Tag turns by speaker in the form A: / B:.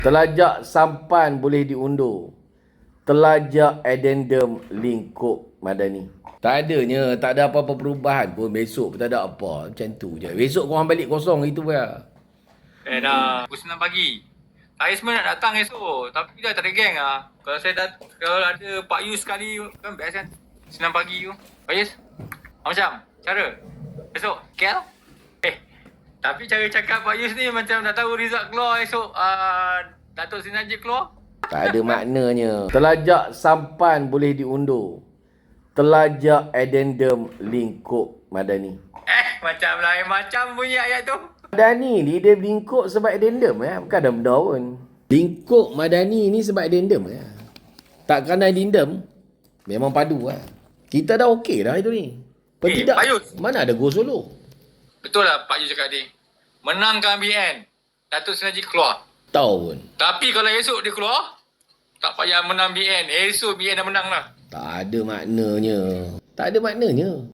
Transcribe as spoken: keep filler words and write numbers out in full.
A: Telajak sampan boleh diundur. Telajak addendum lingkup madani. Tak adanya, tak ada apa-apa perubahan pun. Besok pun tak ada apa. Macam tu je. Besok korang balik kosong itu ya.
B: Eh dah, pukul sembilan pagi. Saya sebenarnya nak datang esok, tapi dah tak ada geng lah. Kalau saya dat kalau ada Pak Yus sekali kan best kan. sembilan pagi tu. Pak Yus, macam cara esok K L? Eh, tapi cara cakap Pak Yus ni macam tak tahu result keluar esok. Uh, Datuk Seri Najib keluar.
A: Tak ada maknanya. Telajak sampan boleh diundur. Telajak addendum lingkup madani.
B: Eh, macam lain macam bunyi ayat tu.
A: Madani ni dia lingkup sebab addendum ya. Bukan ada benda pun. Lingkup madani ni sebab addendum ya. Tak kerana addendum, memang padu lah. Kita dah okey dah itu ni. Apa
B: Eh,
A: tidak?
B: Pak Yus.
A: Mana ada go solo?
B: Betul lah Pak Yus cakap tadi. Menangkan B N, Datuk Seri Najib keluar.
A: Tahu pun.
B: Tapi kalau esok dia keluar, tak payah menang B N. Esok B N dah menang lah.
A: Tak ada maknanya. Tak ada maknanya.